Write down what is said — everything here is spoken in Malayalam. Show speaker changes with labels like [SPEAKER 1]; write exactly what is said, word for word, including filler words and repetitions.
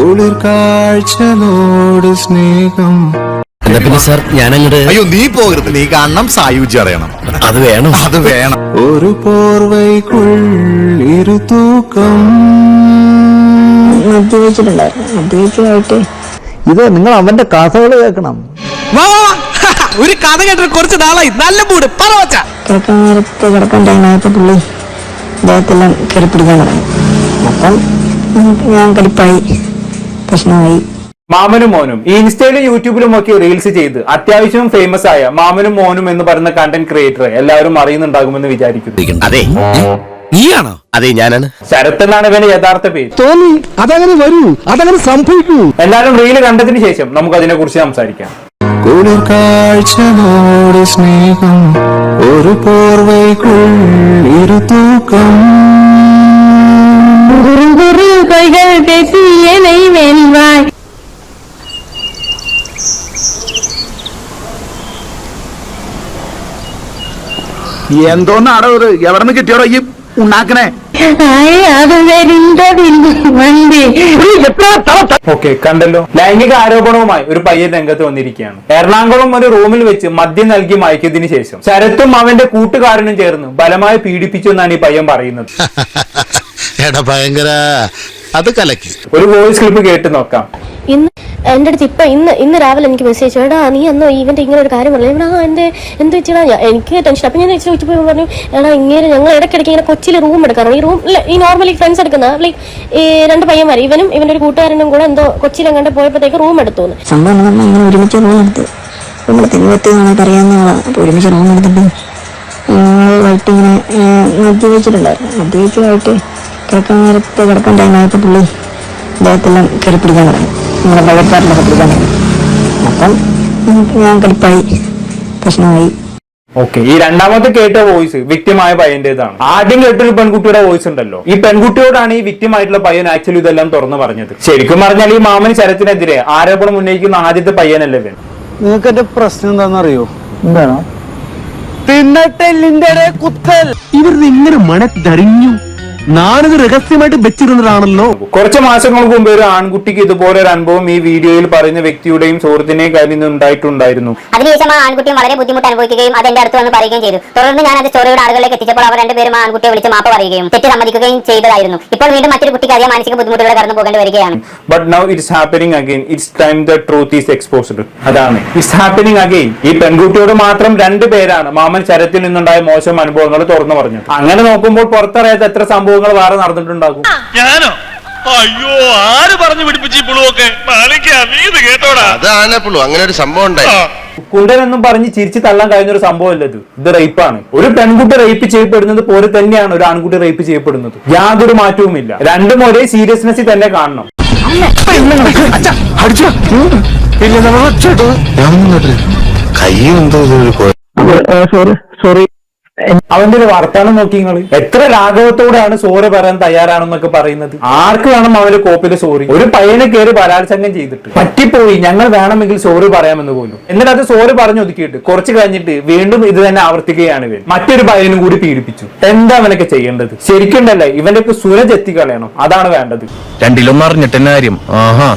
[SPEAKER 1] കുളിർ കാഴ്ചകളോട് സ്നേഹം.
[SPEAKER 2] എന്നാ പിന്നെ സാർ ഞാനങ്ങോട്ട്.
[SPEAKER 3] അയ്യോ നീ പോകരുത്, നീ കാണണം, സായുജ്യം അറിയണം.
[SPEAKER 2] അത് വേണം,
[SPEAKER 3] അത് വേണം.
[SPEAKER 1] ഒരു പോർവൈക്കുള്ളിരു തൂക്കം.
[SPEAKER 4] മദ്യപിച്ചിട്ടുണ്ടായിരുന്നു. മദ്യപിച്ചായിട്ട്
[SPEAKER 5] ഇത് നിങ്ങൾ അവന്റെ കഥകൾ കേൾക്കണം.
[SPEAKER 2] ഒരു കഥ കേട്ടിട്ട് കുറച്ച് നാളായി. നല്ല മൂട് പറവച്ച
[SPEAKER 4] കിടക്കാൻ നേരത്ത് കിടക്കാൻ ടൈമായപ്പോൾ പുള്ളി അദ്ദേഹത്തെല്ലാം കെടിപ്പിടിക്കാൻ തുടങ്ങി. അപ്പം ഞാൻ കടിപ്പായി, പ്രശ്നമായി.
[SPEAKER 6] മാമനും മോനും ഈ ഇൻസ്റ്റയിലും യൂട്യൂബിലും ഒക്കെ റീൽസ് ചെയ്ത് അത്യാവശ്യം ഫേമസ് ആയ മാമനും മോനും എന്ന് പറയുന്ന കണ്ടന്റ് ക്രിയേറ്റർ എല്ലാവരും അറിയുന്നുണ്ടാകുമെന്ന് വിചാരിക്കുന്നു.
[SPEAKER 2] അതെ നീയാണോ? അതെ ഞാനാണ്.
[SPEAKER 6] ശരത് എന്നാണ് ഇവന്റെ യഥാർത്ഥ പേര്.
[SPEAKER 5] തോന്നി അതങ്ങനെ വരൂ, അതങ്ങനെ സംഭവിക്കൂ.
[SPEAKER 6] എല്ലാവരും റീല് കണ്ടതിന് ശേഷം നമുക്ക് അതിനെ കുറിച്ച് സംസാരിക്കാം.
[SPEAKER 1] കുളിർ കാഴ്ചകളോട് സ്നേഹം, ഒരു പോർവൈക്കുള്ളിരു തൂക്കം.
[SPEAKER 5] എന്തോന്നാടോ ഇത്? എവിടെ നിന്ന് കിട്ടിയോടോ ഈ ഉണ്ടാക്കണേ?
[SPEAKER 6] ഓക്കെ, കണ്ടല്ലോ. ലൈംഗിക ആരോപണവുമായി ഒരു പയ്യൻ രംഗത്ത് വന്നിരിക്കുകയാണ്. എറണാകുളം ഒരു റൂമിൽ വെച്ച് മദ്യം നൽകി മയക്കിയതിനു ശേഷം ശരത്തും അവന്റെ കൂട്ടുകാരനും ചേർന്ന് ബലമായി പീഡിപ്പിച്ചു എന്നാണ് ഈ പയ്യൻ പറയുന്നത്.
[SPEAKER 3] ഭയങ്കര അത് കലക്കി.
[SPEAKER 6] ഒരു വോയിസ് ക്ലിപ്പ് കേട്ട് നോക്കാം.
[SPEAKER 7] ഇന്ന് എൻ്റെ അടുത്ത് ഇപ്പം ഇന്ന് ഇന്ന് രാവിലെ എനിക്ക് മെസ്സേജ് എടാ നീ അന്നോ ഇവൻ്റെ ഇങ്ങനെ ഒരു കാര്യം പറഞ്ഞു. എടാ എൻ്റെ എന്ത് വെച്ചാൽ എനിക്ക് ടെൻഷൻ. അപ്പം ഞാൻ ചോദിച്ചു പോയി പറഞ്ഞു എടാ ഇങ്ങനെ ഞങ്ങൾ ഇടയ്ക്കിടയ്ക്ക് ഇങ്ങനെ കൊച്ചിയിൽ റൂം എടുക്കാറുണ്ട്. ഈ റൂം ഈ നോർമലി ഫ്രണ്ട്സ് എടുക്കുന്ന ലൈക്ക് ഈ രണ്ട് പയ്യന്മാർ ഇവനും ഇവൻ്റെ ഒരു കൂട്ടുകാരനും കൂടെ എന്തോ കൊച്ചിയിൽ എങ്ങാണ്ട് പോയപ്പോഴത്തേക്ക് റൂം എടുത്തു.
[SPEAKER 4] സംഭവം നമ്മൾ ഇങ്ങനെ ഒരുമിച്ച് റൂം എടുത്ത് നമ്മൾ തെരുവത്ത് നമുക്ക് അറിയാവുന്ന ആളാണ്. അപ്പോൾ ഒരുമിച്ച് റൂം എടുത്തിട്ട് വൈകിട്ട് ഇങ്ങനെ മദ്യപിച്ചിട്ടുണ്ടായിരുന്നു. മദ്യപിച്ചായിട്ട് കിടക്കാൻ നേരത്ത് കിടക്കാൻ ടൈമായപ്പോൾ പുള്ളി അദ്ദേഹത്തെല്ലാം കെടിപ്പിടിക്കാൻ തുടങ്ങി. നമ്മുടെ ഭഗത്പാട്ടിലൊക്കെ പിടിക്കാൻ തുടങ്ങി. അപ്പം ഞാൻ കടിപ്പായി, പ്രശ്നമായി.
[SPEAKER 6] ഓക്കെ, ഈ രണ്ടാമത്തെ കേട്ട വോയിസ് വിക്ടിമായ പയ്യന്റേതാണ്. ആദ്യം കേട്ടൊരു പെൺകുട്ടിയുടെ വോയിസ് ഉണ്ടല്ലോ, ഈ പെൺകുട്ടിയോടാണ് ഈ വിക്ടിമായിട്ടുള്ള പയ്യൻ ആക്ച്വലി ഇതെല്ലാം തുറന്നു പറഞ്ഞത്. ശരിക്കും പറഞ്ഞാൽ ഈ മാമൻ ശരത്തിനെതിരെ ആരോപണം ഉന്നയിക്കുന്ന ആദ്യത്തെ പയ്യനല്ലേ ഇവൻ.
[SPEAKER 5] നിങ്ങൾക്ക് എന്റെ പ്രശ്നം എന്താണെന്നറിയോ? എന്താണോ? തിന്നട്ടെല്ലിന്റെ കുത്തൽ. ഇവർ ഇങ്ങനെ മണത്തറിഞ്ഞു. നാണിത് രഹസ്യമായിട്ട് വെച്ചിരുന്നതാണല്ലോ.
[SPEAKER 6] കുറച്ച് മാസങ്ങൾക്ക് മുമ്പ് ഒരു ആൺകുട്ടിക്ക് ഇതുപോലെ ഒരു അനുഭവം ഈ വീഡിയോയിൽ പറയുന്ന വ്യക്തിയുടെയും സുഹൃത്തിന്റെയും കാര്യം ഉണ്ടായിട്ടുണ്ടായിരുന്നു.
[SPEAKER 8] അതിനുശേഷം ആ ആൺകുട്ടിയും വളരെ ബുദ്ധിമുട്ട് അനുഭവിക്കുകയും അത് എന്റെ അടുത്ത് വന്ന് പറയുകയും ചെയ്തു. തുടർന്ന് ഞാൻ അത് സ്റ്റോറിയുടെ ആളുകളിലേക്ക് എത്തിച്ചപ്പോൾ അവർ രണ്ടുപേരും ആ ആൺകുട്ടിയെ വിളിച്ച് മാപ്പ് പറയുകയും തെറ്റ് സമ്മതിക്കുകയും ചെയ്തതായിരുന്നു. ഇപ്പോൾ വീണ്ടും മറ്റൊരു കുട്ടിക്ക് അതേ മാനസിക ബുദ്ധിമുട്ടുകൾ കടന്നു പോകേണ്ടി വരികയാണ്.
[SPEAKER 6] But now it's happening again. It's time the truth is exposed. അതാണ് ഇറ്റ്സ് ഹാപ്പനിങ് അഗൈൻ. ഈ പെൺകുട്ടിയോട് മാത്രം രണ്ടു പേരാണ് മാമൻ ശരത്തിൽ നിന്നുണ്ടായ മോശം അനുഭവങ്ങൾ തുറന്നു പറഞ്ഞത്. അങ്ങനെ നോക്കുമ്പോൾ പുറത്തറിയാത്ത എത്ര സംഭവങ്ങൾ വേറെ നടന്നിട്ടുണ്ടാകും.
[SPEAKER 9] ഞാനോ? അയ്യോ, ആര് പറഞ്ഞു പിടിപ്പിച്ചു പുളുവൊക്കെ? അതാണ് പുളു, അങ്ങനെ ഒരു സംഭവം ഉണ്ടായി.
[SPEAKER 6] കുണ്ടൻ എന്നും പറഞ്ഞ് ചിരിച്ചു തള്ളാൻ കഴിയുന്ന ഒരു സംഭവമല്ല ഇത്. ഇത് റേപ്പാണ്. ഒരു പെൺകുട്ടി റേപ്പ് ചെയ്യപ്പെടുന്നത് പോലെ തന്നെയാണ് ഒരു ആൺകുട്ടി റേപ്പ് ചെയ്യപ്പെടുന്നത്. യാതൊരു മാറ്റവുമില്ല. രണ്ടും ഒരേ സീരിയസ്നെസ്സിൽ തന്നെ കാണണം.
[SPEAKER 5] സോറി
[SPEAKER 6] അവന്റെ ഒരു വർത്താനം നോക്കി നിങ്ങൾ എത്ര ലാഘവത്തോടെയാണ് സോറി പറയാൻ തയ്യാറാണെന്നൊക്കെ പറയുന്നത്. ആർക്ക് വേണം അവന്റെ കോപ്പില് സോറി? ഒരു പയ്യനെ കയറി ബലാത്സംഗം ചെയ്തിട്ട് പറ്റിപ്പോയി, ഞങ്ങൾ വേണമെങ്കിൽ സോറി പറയാമെന്ന് പോലും. എന്നിട്ട് അത് സോറി പറഞ്ഞു ഒതുക്കിയിട്ട് കുറച്ച് കഴിഞ്ഞിട്ട് വീണ്ടും ഇത് തന്നെ ആവർത്തിക്കുകയാണ് ഇവൻ. മറ്റൊരു പയ്യനും കൂടി പീഡിപ്പിച്ചു. എന്താ അവനൊക്കെ ചെയ്യേണ്ടത്? ശരിക്കുണ്ടല്ലേ ഇവന്റെ ഒക്കെ സുരജ് എത്തിക്കളയണം. അതാണ് വേണ്ടത്.
[SPEAKER 2] രണ്ടിലൊന്നും അറിഞ്ഞിട്ടെന്നെ കാര്യം. ആഹാ